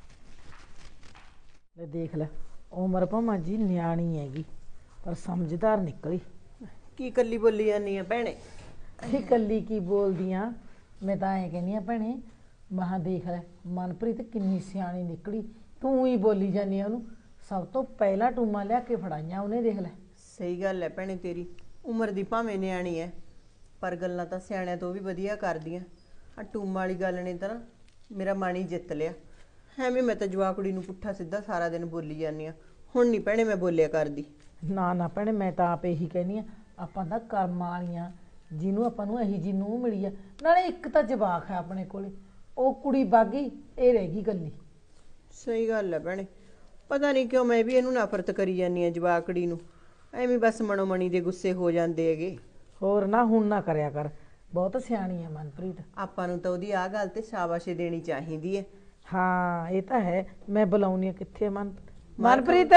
Speaker 10: ਲੈ ਦੇਖ ਲੈ, ਉਮਰ ਭਾਵੇਂ ਜੀ ਨਿਆਣੀ ਹੈਗੀ ਪਰ ਸਮਝਦਾਰ ਨਿਕਲੀ।
Speaker 6: ਕੀ ਕੱਲੀ ਬੋਲੀ ਜਾਂਦੀ ਆ ਭੈਣੇ?
Speaker 10: ਇਹ ਕੱਲੀ ਕੀ ਬੋਲਦੀਆਂ, ਮੈਂ ਤਾਂ ਐਂ ਕਹਿੰਦੀ ਆ ਭੈਣੇ, ਮਹਾ ਦੇਖ ਲੈ ਮਨਪ੍ਰੀਤ ਕਿੰਨੀ ਸਿਆਣੀ ਨਿਕਲੀ। ਤੂੰ ਹੀ ਬੋਲੀ ਜਾਂਦੀ ਆ ਉਹਨੂੰ, ਸਭ ਤੋਂ ਪਹਿਲਾਂ ਟੂਮਾਂ ਲਿਆ ਕੇ ਫੜਾਈਆਂ ਉਹਨੇ, ਦੇਖ ਲੈ।
Speaker 6: ਸਹੀ ਗੱਲ ਹੈ ਭੈਣੇ ਤੇਰੀ, ਉਮਰ ਦੀ ਭਾਵੇਂ ਨਿਆਣੀ ਹੈ ਪਰ ਗੱਲਾਂ ਤਾਂ ਸਿਆਣਿਆਂ ਤੋਂ ਵੀ ਵਧੀਆ ਕਰਦੀਆਂ। ਆ ਟੂਮਾਂ ਵਾਲੀ ਗੱਲ ਨੇ ਤਾਂ ਨਾ ਮੇਰਾ ਮਨ ਹੀ ਜਿੱਤ ਲਿਆ। ਐਵੇਂ ਮੈਂ ਤਾਂ ਜਵਾਕੜੀ ਨੂੰ ਪੁੱਠਾ ਸਿੱਧਾ ਸਾਰਾ ਦਿਨ ਬੋਲੀ ਜਾਂਦੀ ਆ, ਹੁਣ ਨਹੀਂ ਭੈਣੇ ਮੈਂ ਬੋਲਿਆ ਕਰਦੀ।
Speaker 10: ਨਾ ਨਾ ਭੈਣੇ, ਮੈਂ ਤਾਂ ਆਪ ਇਹੀ ਕਹਿੰਦੀ ਆ, ਆਪਾਂ ਤਾਂ ਕਰਮਾਂ ਵਾਲੀਆਂ, ਜਿਹਨੂੰ ਆਪਾਂ ਨੂੰ ਇਹੀ ਜੀ ਨੂੰਹ ਮਿਲੀ ਆ। ਨਾਲੇ ਇੱਕ ਤਾਂ ਜਵਾਕ ਹੈ ਆਪਣੇ ਕੋਲੇ, ਉਹ ਕੁੜੀ ਬਾਗੀ, ਇਹ ਰਹਿ ਗਈ ਗੱਲੀ।
Speaker 6: ਸਹੀ ਗੱਲ ਹੈ ਭੈਣੇ, ਪਤਾ ਨਹੀਂ ਕਿਉਂ ਮੈਂ ਵੀ ਇਹਨੂੰ ਨਫ਼ਰਤ ਕਰੀ ਜਾਂਦੀ ਆ ਜਵਾਕੜੀ ਨੂੰ, ਐਵੇਂ ਬਸ ਮਨੋ ਮਣੀ ਦੇ ਗੁੱਸੇ ਹੋ ਜਾਂਦੇ ਹੈਗੇ।
Speaker 10: ਹੋਰ ਨਾ ਹੁਣ ਨਾ ਕਰਿਆ ਕਰ, ਬਹੁਤ ਸਿਆਣੀ ਹੈ ਮਨਪ੍ਰੀਤ।
Speaker 6: ਆਪਾਂ ਨੂੰ ਤਾਂ ਉਹਦੀ ਆਹ ਗੱਲ ਤੇ ਸ਼ਾਬਾਸ਼ੀ ਦੇਣੀ ਚਾਹੀਦੀ ਹੈ।
Speaker 10: ਹਾਂ ਇਹ ਤਾਂ ਹੈ। ਮੈਂ ਬੁਲਾਉਣੀ ਆ, ਕਿੱਥੇ ਮਨਪ੍ਰੀਤ?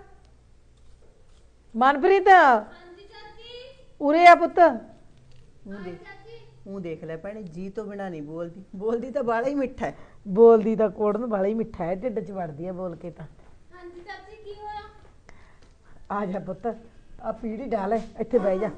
Speaker 10: ਮਨਪ੍ਰੀਤ ਉਰੇ ਆ ਪੁੱਤ।
Speaker 6: ਉਹ ਦੇਖ ਲੈ ਭੈਣੇ, ਜੀ ਤੋਂ ਬਿਨਾ ਨਹੀਂ ਬੋਲਦੀ, ਬੋਲਦੀ ਤਾਂ ਬਾਲਾ ਹੀ ਮਿੱਠਾ ਹੈ।
Speaker 10: ਬੋਲਦੀ ਤਾਂ ਕੋੜਨ ਵਾਲਾ ਹੀ ਮਿੱਠਾ ਹੈ, ਢਿੱਡ 'ਚ ਵੜਦੀ ਹੈ ਬੋਲ ਕੇ ਤਾਂ।
Speaker 1: ਹਾਂਜੀ ਚਾਚੀ ਕੀ ਹੋਇਆ?
Speaker 10: ਆ ਜਾ ਪੁੱਤ, ਆ ਪੀੜੀ ਡਾਲ, ਇੱਥੇ ਬਹਿ ਜਾ।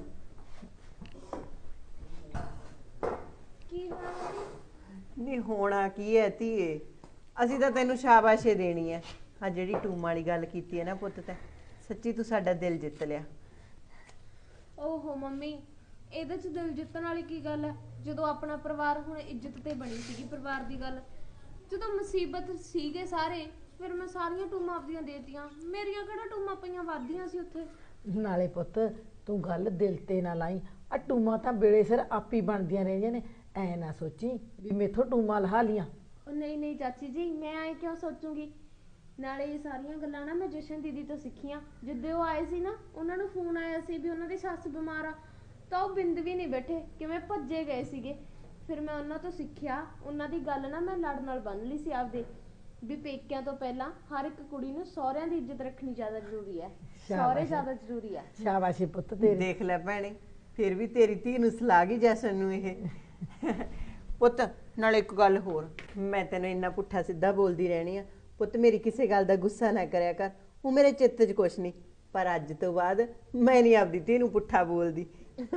Speaker 1: ਕੀ ਹੋਇਆ?
Speaker 6: ਨਹੀਂ ਹੋਣਾ ਕੀ ਹੈ ਧੀਏ, ਅਸੀਂ ਤਾਂ ਤੈਨੂੰ ਸ਼ਾਬਾਸ਼ੇ ਦੇਣੀ ਹੈ। ਆ ਜਿਹੜੀ ਟੂਮ ਵਾਲੀ ਗੱਲ ਕੀਤੀ ਹੈ ਨਾ ਪੁੱਤ, ਤੈਂ ਸੱਚੀ ਤੂੰ ਸਾਡਾ ਦਿਲ ਜਿੱਤ ਲਿਆ।
Speaker 1: ਓਹੋ ਮੰਮੀ, ਇਹਦੇ ਚ ਦਿਲ ਜਿੱਤਣ ਵਾਲੀ ਕੀ ਗੱਲ ਹੈ? ਜਦੋਂ ਆਪਣਾ ਪਰਿਵਾਰ ਹੁਣ ਇੱਜ਼ਤ ਤੇ ਬਣੀ ਸੀਗੀ ਪਰਿਵਾਰ ਦੀ ਗੱਲ, ਜਦੋਂ ਮੁਸੀਬਤ ਸੀਗੇ ਸਾਰੇ, ਫਿਰ ਮੈਂ ਸਾਰੀਆਂ ਟੂਮਾਂ ਆਪਦੀਆਂ ਦੇਤੀਆਂ। ਮੇਰੀਆਂ ਕਿਹੜਾ ਟੂਮਾਂ ਪਈਆਂ ਵੱਧਦੀਆਂ ਸੀ ਉੱਥੇ।
Speaker 10: ਨਾਲੇ ਪੁੱਤ ਤੂੰ ਗੱਲ ਦਿਲ ਤੇ ਨਾ ਲਾਈ, ਆ ਟੂਮਾਂ ਤਾਂ ਵੇਲੇ ਸਿਰ ਆਪੀ ਬਣਦੀਆਂ ਰਹਿੰਦੀਆਂ ਨੇ। ਐ ਨਾ ਸੋਚੀ ਵੀ ਮੇਥੋਂ ਟੂਮਾਂ ਲਹਾ ਲੀਆਂ।
Speaker 1: ਉਹ ਨਹੀਂ ਨਹੀਂ ਚਾਚੀ ਜੀ, ਮੈਂ ਐ ਕਿਉਂ ਸੋਚੂਗੀ? ਨਾਲੇ ਇਹ ਸਾਰੀਆਂ ਗੱਲਾਂ ਨਾ ਮੈਂ ਜਸ਼ਨ ਦੀਦੀ ਤੋਂ ਸਿੱਖੀਆਂ। ਜਿੱਦੇ ਉਹ ਆਏ ਸੀ ਨਾ, ਉਹਨਾਂ ਨੂੰ ਫੋਨ ਆਇਆ ਸੀ ਵੀ ਉਹਨਾਂ ਦੀ ਸੱਸ ਬਿਮਾਰ ਆ, ਤਾਂ ਉਹ ਬਿੰਦ ਵੀ ਨਹੀਂ ਬੈਠੇ, ਕਿਵੇਂ ਭੱਜੇ ਗਏ ਸੀਗੇ। ਫਿਰ ਮੈਂ ਉਹਨਾਂ ਤੋਂ ਸਿੱਖਿਆ, ਉਹਨਾਂ ਦੀ ਗੱਲ ਨਾ ਮੈਂ ਲੜ ਨਾਲ ਬੰਨ ਲਈ ਸੀ ਆਪਦੇ, ਵੀ ਪੇਕਿਆਂ ਤੋਂ ਪਹਿਲਾਂ ਹਰ ਇੱਕ ਕੁੜੀ ਨੂੰ ਸਹੁਰਿਆਂ ਦੀ ਇੱਜ਼ਤ ਰੱਖਣੀ ਜ਼ਿਆਦਾ ਜ਼ਰੂਰੀ ਹੈ, ਸਹੁਰੇ ਜ਼ਿਆਦਾ ਜ਼ਰੂਰੀ ਹੈ।
Speaker 10: ਸ਼ਾਬਾਸ਼ੀ ਪੁੱਤ ਤੇਰੀ।
Speaker 6: ਦੇਖ ਲੈ ਭੈਣੇ, ਫਿਰ ਵੀ ਤੇਰੀ ਧੀ ਨੂੰ ਸਲਾਹ ਗਈ ਜੈਸਨ ਨੂੰ ਇਹ। ਪੁੱਤ ਨਾਲ ਇੱਕ ਗੱਲ ਹੋਰ, ਮੈਂ ਤੈਨੂੰ ਇੰਨਾ ਪੁੱਠਾ ਸਿੱਧਾ ਬੋਲਦੀ ਰਹਿਣੀ ਆ ਪੁੱਤ, ਮੇਰੀ ਕਿਸੇ ਗੱਲ ਦਾ ਗੁੱਸਾ ਨਾ ਕਰਿਆ ਕਰ। ਉਹ ਮੇਰੇ ਚਿੱਤ 'ਚ ਕੁਛ ਨਹੀਂ, ਪਰ ਅੱਜ ਤੋਂ ਬਾਅਦ ਮੈਂ ਨਹੀਂ ਆਪਦੀ ਧੀ ਨੂੰ ਪੁੱਠਾ ਬੋਲਦੀ।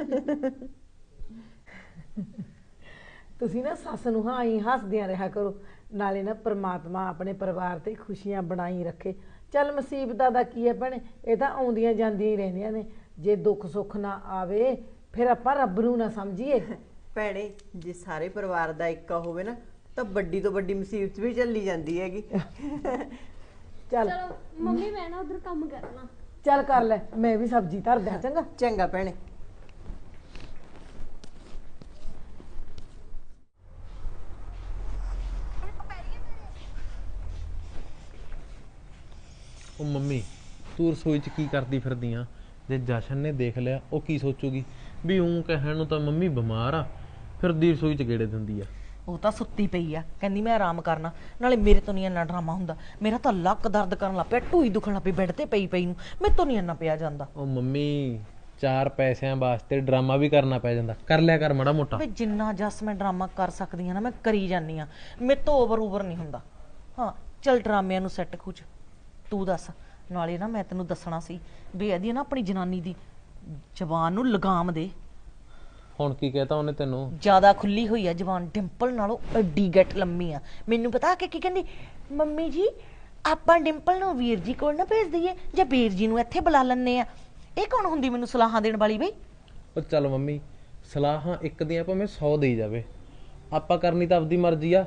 Speaker 10: ਤੁਸੀਂ ਨਾ ਸੱਸ ਨੂੰ ਹਾਂ ਹੀ ਹੱਸਦਿਆਂ ਰਿਹਾ ਕਰੋ, ਨਾਲੇ ਨਾ ਪ੍ਰਮਾਤਮਾ ਆਪਣੇ ਪਰਿਵਾਰ ਤੇ ਖੁਸ਼ੀਆਂ ਬਣਾਈ ਰੱਖੇ। ਚੱਲ ਮੁਸੀਬਤਾਂ ਦਾ ਕੀ ਹੈ ਭੈਣੇ, ਇਹ ਤਾਂ ਆਉਂਦੀਆਂ ਜਾਂਦੀਆਂ ਹੀ ਰਹਿੰਦੀਆਂ ਨੇ। ਜੇ ਦੁੱਖ ਸੁੱਖ ਨਾ ਆਵੇ ਫਿਰ ਆਪਾਂ ਰੱਬ ਨੂੰ ਨਾ ਸਮਝੀਏ।
Speaker 6: ਭੈਣੇ ਜੇ ਸਾਰੇ ਪਰਿਵਾਰ ਦਾ ਇੱਕਾ ਹੋਵੇ ਨਾ, ਤਾਂ ਵੱਡੀ ਤੋਂ ਵੱਡੀ ਮੁਸੀਬਤ ਵੀ ਚੱਲੀ ਜਾਂਦੀ ਹੈਗੀ।
Speaker 10: ਚੱਲ
Speaker 1: ਚਲੋ ਮੰਮੀ, ਮੈਂ ਨਾ ਉਧਰ ਕੰਮ ਕਰਨਾ।
Speaker 10: ਚੱਲ ਕਰ ਲੈ, ਮੈਂ ਵੀ ਸਬਜ਼ੀ ਧਰ ਦਿਆਂ। ਚੰਗਾ
Speaker 6: ਚੰਗਾ ਭੈਣੇ।
Speaker 8: ਉਹ ਮੰਮੀ, ਤੂੰ ਰਸੋਈ 'ਚ ਕੀ ਕਰਦੀ ਫਿਰਦੀ ਆ? ਜੇ ਜਸ਼ਨ ਨੇ ਦੇਖ ਲਿਆ ਉਹ ਕੀ ਸੋਚੂਗੀ? ਵੀ ਉਹ ਕਹਿਣ ਨੂੰ ਤਾਂ ਮੰਮੀ ਬਿਮਾਰ ਆ, ਫਿਰਦੀ ਰਸੋਈ 'ਚ ਗੇੜੇ ਦਿੰਦੀ ਆ।
Speaker 3: ਉਹ ਤਾਂ ਸੁੱਤੀ ਪਈ ਆ, ਕਹਿੰਦੀ ਮੈਂ ਆਰਾਮ ਕਰਨਾ। ਨਾਲੇ ਮੇਰੇ ਤੋਂ ਨਹੀਂ ਇੰਨਾ ਡਰਾਮਾ ਹੁੰਦਾ, ਮੇਰਾ ਤਾਂ ਲੱਕ ਦਰਦ ਕਰਨ ਲੱਗ ਪਿਆ, ਢੂਈ ਦੁਖਣ ਲੱਗ ਪਈ ਬੈੱਡ ਤੇ ਪਈ ਪਈ ਨੂੰ, ਮੇਰੇ ਤੋਂ ਨਹੀਂ ਇੰਨਾ ਪਿਆ ਜਾਂਦਾ।
Speaker 8: ਉਹ ਮੰਮੀ, 4 ਪੈਸਿਆਂ ਵਾਸਤੇ ਡਰਾਮਾ ਵੀ ਕਰਨਾ ਪੈ ਜਾਂਦਾ, ਕਰ ਲਿਆ ਕਰ ਮਾੜਾ ਮੋਟਾ।
Speaker 3: ਵੇ ਜਿੰਨਾ ਜਸ ਮੈਂ ਡਰਾਮਾ ਕਰ ਸਕਦੀ ਆ ਨਾ, ਮੈਂ ਕਰੀ ਜਾਂਦੀ ਆ, ਮੇਰੇ ਤੋਂ ਓਵਰ ਨਹੀਂ ਹੁੰਦਾ। ਹਾਂ ਚੱਲ ਡਰਾਮਿਆਂ ਨੂੰ ਸੈੱਟ ਖੁੱਚ, ਤੂੰ ਦੱਸ। ਨਾਲੇ ਨਾ ਮੈਂ ਤੈਨੂੰ ਦੱਸਣਾ ਸੀ ਵੀ ਇਹਦੀ ਨਾ ਆਪਣੀ ਜਨਾਨੀ ਦੀ ਜ਼ਬਾਨ ਨੂੰ ਲਗਾਮ ਦੇ।
Speaker 8: ਹੁਣ ਕੀ ਕਹਤਾ ਉਹਨੇ ਤੈਨੂੰ?
Speaker 3: ਜ਼ਿਆਦਾ ਖੁੱਲੀ ਹੋਈ ਆ ਜ਼ਬਾਨ, ਡਿੰਪਲ ਨਾਲੋਂ ਐਡੀ ਗੱਟ ਲੰਮੀ ਆ। ਮੈਨੂੰ ਪਤਾ ਕਿ ਕੀ ਕਹਿੰਦੀ, ਮੰਮੀ ਜੀ ਆਪਾਂ ਡਿੰਪਲ ਨੂੰ ਵੀਰ ਜੀ ਕੋਲ ਨਾ ਭੇਜ ਦਈਏ, ਜਾਂ ਵੀਰ ਜੀ ਨੂੰ ਇੱਥੇ ਬੁਲਾ ਲੈਂਦੇ ਆ। ਇਹ ਕੌਣ ਹੁੰਦੀ ਮੈਨੂੰ ਸਲਾਹਾਂ ਦੇਣ ਵਾਲੀ ਬਈ?
Speaker 8: ਉਹ ਚੱਲ ਮੰਮੀ, ਸਲਾਹਾਂ ਇੱਕ ਦੀਆਂ ਭਾਵੇਂ 100 ਦੇਈ ਜਾਵੇ, ਆਪਾਂ ਕਰਨੀ ਤਾਂ ਆਪਦੀ ਮਰਜ਼ੀ ਆ।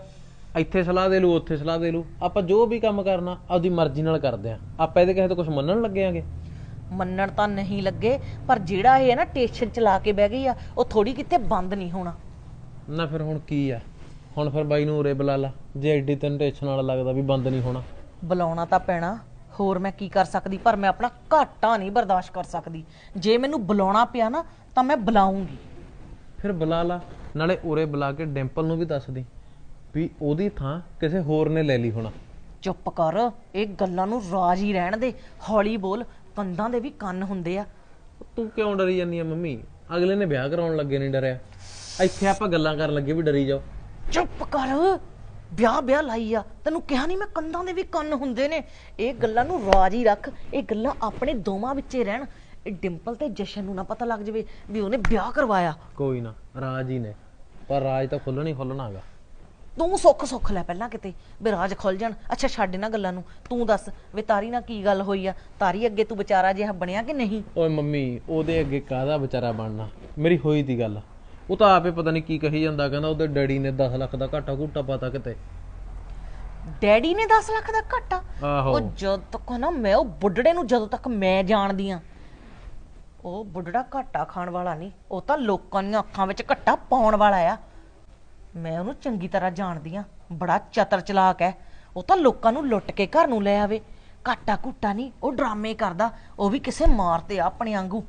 Speaker 8: ਇੱਥੇ ਸਲਾਹ ਦੇ ਲੂ ਉੱਥੇ ਸਲਾਹ ਦੇ ਲੂ, ਆਪਾਂ ਜੋ ਵੀ ਕੰਮ ਕਰਨਾ ਆਪਦੀ ਮਰਜ਼ੀ ਨਾਲ ਕਰਦੇ ਆ। ਆਪਾਂ ਇਹਦੇ ਕਿਸੇ ਤੋਂ ਕੁਝ ਮੰਨਣ ਲੱਗੇ ਆਂਗੇ?
Speaker 3: ਮੰਨਣ ਤਾਂ ਨਹੀਂ ਲੱਗੇ, ਪਰ ਜਿਹੜਾ ਇਹ ਹੈ ਨਾ ਟੇਸ਼ਨ ਚਲਾ ਕੇ ਬਹਿ ਗਈ ਆ, ਉਹ ਥੋੜੀ ਕਿਤੇ ਬੰਦ ਨਹੀਂ ਹੋਣਾ।
Speaker 8: ਨਾ ਫਿਰ ਹੁਣ ਕੀ ਆ? ਹੁਣ ਫਿਰ ਬਾਈ ਨੂੰ ਉਰੇ ਬੁਲਾ ਲਾ, ਜੇ ਐਡੀ ਤੈਨੂੰ ਟੈਨਸ਼ਨ ਨਾਲ ਲੱਗਦਾ ਵੀ ਬੰਦ ਨਹੀਂ ਹੋਣਾ।
Speaker 3: ਬੁਲਾਉਣਾ ਤਾਂ ਪੈਣਾ, ਹੋਰ ਮੈਂ ਕੀ ਕਰ ਸਕਦੀ, ਪਰ ਮੈਂ ਆਪਣਾ ਘਾਟਾ ਨਹੀਂ ਬਰਦਾਸ਼ਤ ਕਰ ਸਕਦੀ। ਜੇ ਮੈਨੂੰ ਬੁਲਾਉਣਾ ਪਿਆ ਨਾ ਤਾਂ ਮੈਂ ਬੁਲਾਉਂਗੀ।
Speaker 8: ਫਿਰ ਬੁਲਾ ਲਾ, ਨਾਲੇ ਉਰੇ ਬੁਲਾ ਕੇ ਡਿੰਪਲ ਨੂੰ ਵੀ ਦੱਸ ਦੀ ਵੀ ਉਹਦੀ ਥਾਂ ਕਿਸੇ ਹੋਰ ਨੇ ਲੈ ਲਈ ਹੋਣਾ।
Speaker 3: ਚੁੱਪ ਕਰ, ਇਹ ਗੱਲਾਂ ਨੂੰ ਰਾਜ ਹੀ ਰਹਿਣ ਦੇ, ਹੌਲੀ ਬੋਲ, ਕੰਧਾਂ ਦੇ ਵੀ ਕੰਨ ਹੁੰਦੇ ਆ।
Speaker 8: ਤੂੰ ਕਿਉਂ ਡਰੀ ਜਾਂਦੀ ਆ ਮੰਮੀ? ਅਗਲੇ ਨੇ ਵਿਆਹ ਕਰਾਉਣ ਲੱਗੇ ਨਹੀਂ ਡਰਿਆ, ਇੱਥੇ ਆਪਾਂ ਗੱਲਾਂ ਕਰਨ ਲੱਗੇ ਵੀ ਡਰੀ ਜਾਓ।
Speaker 3: ਚੁੱਪ ਕਰ, ਵਿਆਹ ਲਾਈ ਆ, ਤੈਨੂੰ ਕਿਹਾ ਨਹੀਂ ਮੈਂ ਕੰਧਾਂ ਦੇ ਵੀ ਕੰਨ ਹੁੰਦੇ ਨੇ। ਇਹ ਗੱਲਾਂ ਨੂੰ ਰਾਜ ਹੀ ਰੱਖ, ਇਹ ਗੱਲਾਂ ਆਪਣੇ ਦੋਵਾਂ ਵਿੱਚੇ ਰਹਿਣ। ਇਹ ਡਿੰਪਲ ਤੇ ਜਸ਼ਨ ਨੂੰ ਨਾ ਪਤਾ ਲੱਗ ਜਾਵੇ ਵੀ ਉਹਨੇ ਵਿਆਹ ਕਰਵਾਇਆ।
Speaker 8: ਕੋਈ ਨਾ, ਰਾਜ ਹੀ ਨੇ, ਪਰ ਰਾਜ ਤਾਂ ਖੁੱਲਣਾ ਹੀ ਖੁੱਲਣਾ ਹੈਗਾ।
Speaker 3: ਤੂੰ ਸੁੱਖ ਲੈ ਪਹਿਲਾਂ ਕਿਤੇ ਵੀ ਰਾਜ ਖੁੱਲ ਜਾਣ। ਅੱਛਾ ਛੱਡ ਇਹਨਾਂ ਗੱਲਾਂ ਨੂੰ, ਤੂੰ ਦੱਸ ਵੀ ਤਾਰੀ ਨਾਲ ਕੀ ਗੱਲ ਹੋਈ ਆ? ਤਾਰੀ ਅੱਗੇ ਤੂੰ ਵਿਚਾਰਾ ਜਿਹਾ ਬਣਿਆ ਕਿ ਨਹੀਂ?
Speaker 8: ਓਏ ਮੰਮੀ, ਉਹਦੇ ਅੱਗੇ ਕਾਹਦਾ ਵਿਚਾਰਾ ਬਣਨਾ, ਮੇਰੀ ਹੋਈ ਦੀ ਗੱਲ। ਉਹ ਤਾਂ ਆਪੇ ਪਤਾ ਨਹੀਂ ਕੀ ਕਹੀ ਜਾਂਦਾ, ਕਹਿੰਦਾ ਉਹਦੇ ਡੈਡੀ ਨੇ 10 ਲੱਖ ਦਾ ਘਾਟਾ ਘੂਟਾ ਪਤਾ ਕਿਤੇ।
Speaker 3: ਡੈਡੀ ਨੇ 10 ਲੱਖ ਦਾ ਘਾਟਾ?
Speaker 8: ਆਹੋ।
Speaker 3: ਉਹ ਜਦ ਤੱਕ ਨਾ ਮੈਂ ਉਹ ਬੁੱਢੜੇ ਨੂੰ, ਜਦੋਂ ਤੱਕ ਮੈਂ ਜਾਣਦੀ ਆ, ਉਹ ਬੁੱਢੜਾ ਘਾਟਾ ਖਾਣ ਵਾਲਾ ਨਹੀਂ, ਉਹ ਤਾਂ ਲੋਕਾਂ ਦੀਆਂ ਅੱਖਾਂ ਵਿੱਚ ਘੱਟਾ ਪਾਉਣ ਵਾਲਾ ਆ। ਮੈਂ ਉਹਨੂੰ ਚੰਗੀ ਤਰ੍ਹਾਂ ਜਾਣਦੀ ਆ, ਬੜਾ ਚਤਰ ਚਲਾਕ ਹੈ। ਉਹ ਤਾਂ ਲੋਕਾਂ ਨੂੰ ਲੁੱਟ ਕੇ ਘਰ ਨੂੰ ਲੈ ਆਵੇ। ਘਾਟਾ ਘੁੱਟਾ ਨਹੀਂ, ਉਹ ਡਰਾਮੇ ਕਰਦਾ, ਉਹ ਵੀ ਕਿਸੇ ਮਾਰਤੇ ਆ ਆਪਣੇ ਵਾਂਗੂ।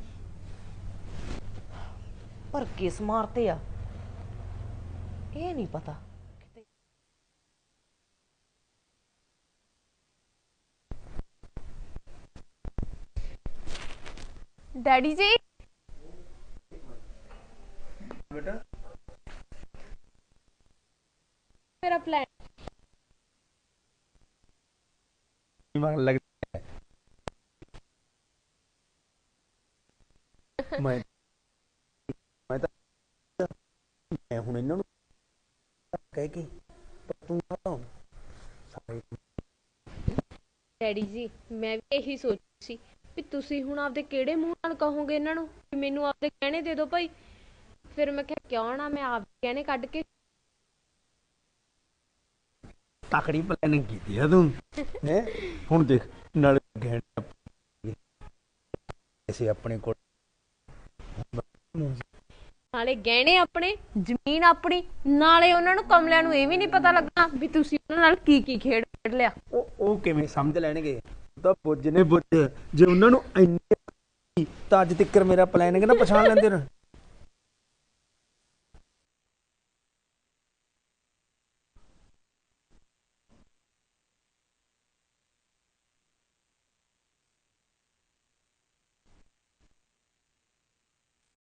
Speaker 3: ਪਰ ਕਿਸ ਮਾਰਤੇ ਆ ਇਹ ਨਹੀਂ ਪਤਾ।
Speaker 1: ਡੈਡੀ ਜੀ,
Speaker 2: ਬੇਟਾ
Speaker 1: ਮੇਰਾ ਪਲਾਨ
Speaker 2: ਮਨ ਲੱਗਦਾ ਹੈ। ਮੈਂ ਹੁਣ ਇਹਨਾਂ ਨੂੰ ਕਹਿ ਕੇ ਤੂੰ
Speaker 1: ਡੈਡੀ ਜੀ, ਮੈਂ ਵੀ ਇਹੀ ਸੋਚੀ ਸੀ ਵੀ ਤੁਸੀਂ ਹੁਣ ਆਪਦੇ ਕਿਹੜੇ ਮੂੰਹ ਨਾਲ ਕਹੋਗੇ ਇਹਨਾਂ ਨੂੰ ਵੀ ਮੈਨੂੰ ਆਪਦੇ ਗਹਿਣੇ ਦੇ ਦਿਓ ਭਾਈ। ਫਿਰ ਮੈਂ ਕਿਹਾ ਕਿਉਂ ਨਾ ਮੈਂ ਆਪਦੇ ਗਹਿਣੇ ਕੱਢ ਕੇ।
Speaker 2: ਤਕੜੀ ਪਲਾਨਿੰਗ ਕੀਤੀ ਆ ਤੂੰ ਹੈ। ਹੁਣ ਦੇਖ, ਨਾਲ ਗਹਿਣੇ ਐਸੇ ਆਪਣੇ ਕੋਲ,
Speaker 1: ਨਾਲੇ ਗਹਿਣੇ ਆਪਣੇ, ਜ਼ਮੀਨ ਆਪਣੀ, ਨਾਲੇ ਉਹਨਾਂ ਨੂੰ ਕਮਲਿਆਂ ਨੂੰ ਇਹ ਵੀ ਨਹੀਂ ਪਤਾ ਲੱਗਣਾ ਵੀ ਤੁਸੀਂ ਉਹਨਾਂ ਨਾਲ ਕੀ ਕੀ ਖੇਡ ਲਿਆ।
Speaker 2: ਉਹ ਕਿਵੇਂ ਸਮਝ ਲੈਣਗੇ? ਤਾਂ ਬੁੱਝ ਨੇ ਬੁੱਝ, ਜੇ ਉਹਨਾਂ ਨੂੰ ਇੰਨੀ ਤਾਂ ਅੱਜ ਤੱਕ ਮੇਰਾ ਪਲਾਨਿੰਗ ਨਾ ਪਛਾਣ ਲੈਂਦੇ ਨੇ।